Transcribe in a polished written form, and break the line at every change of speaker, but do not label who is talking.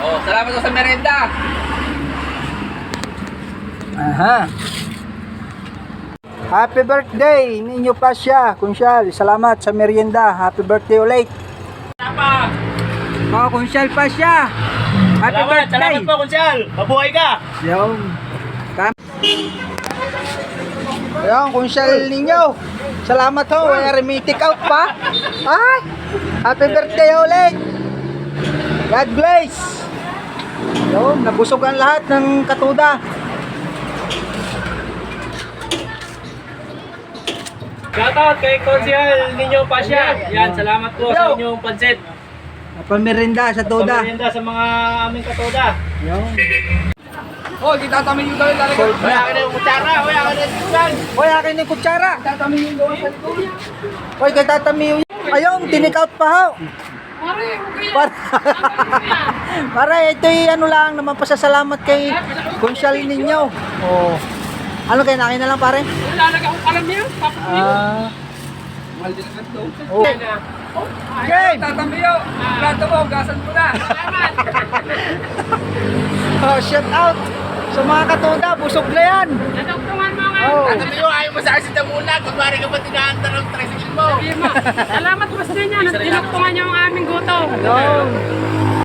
Oh, salamat po sa merenda.
Aha. Happy birthday, Ninyo Pasya, Kunsyal. Salamat sa merienda. Happy birthday ulit.
Tama.
Oh, Kunsyal Pasya. Happy birthday.
Salamat po, Kunsyal. Mabuhay ka.
Yung. Yung, Kunsyal ninyo. Salamat ho. May take out pa. Ay, happy birthday ulit. God bless. Yung, nabusog ang lahat ng katuda.
Shoutout kay Kunsyal Ninyo Pasya. Yan, salamat po sa inyong pansit.
Pamerinda sa tuda.
Pamerienda sa mga aming katoda.
Yung.
Oh, di tatamin yung gawin talaga.
Wala ka na yung kutsara, wala ka na yung kutsara.
Hoy, akin yung kutsara.
Tatamin yung gawin sa likod.
Hoy, kay Tata Miu. Ayun, tinik out pa ho. Para ito'y ano lang naman pasasalamat kay Kunsyal ninyo. Oh. Ano kayo, nakin na lang pare?
Lalaga akong alam niyo.
Ah.
Mahal din ang ito.
Oh. Game!
Tatamiyo. Plato mo, gasan mo na. Salamat.
Oh, shout out sa mga katuda, busog na yan.
Natugtungan mo nga.
Oh.
Tatamiyo, ayaw mo sa asin na muna. Kunwari ka ba tinahandar ng tricycle mo?
Sabi mo, salamat po sa inyo. Tinugtungan niyo ang aming gutom.
Yung.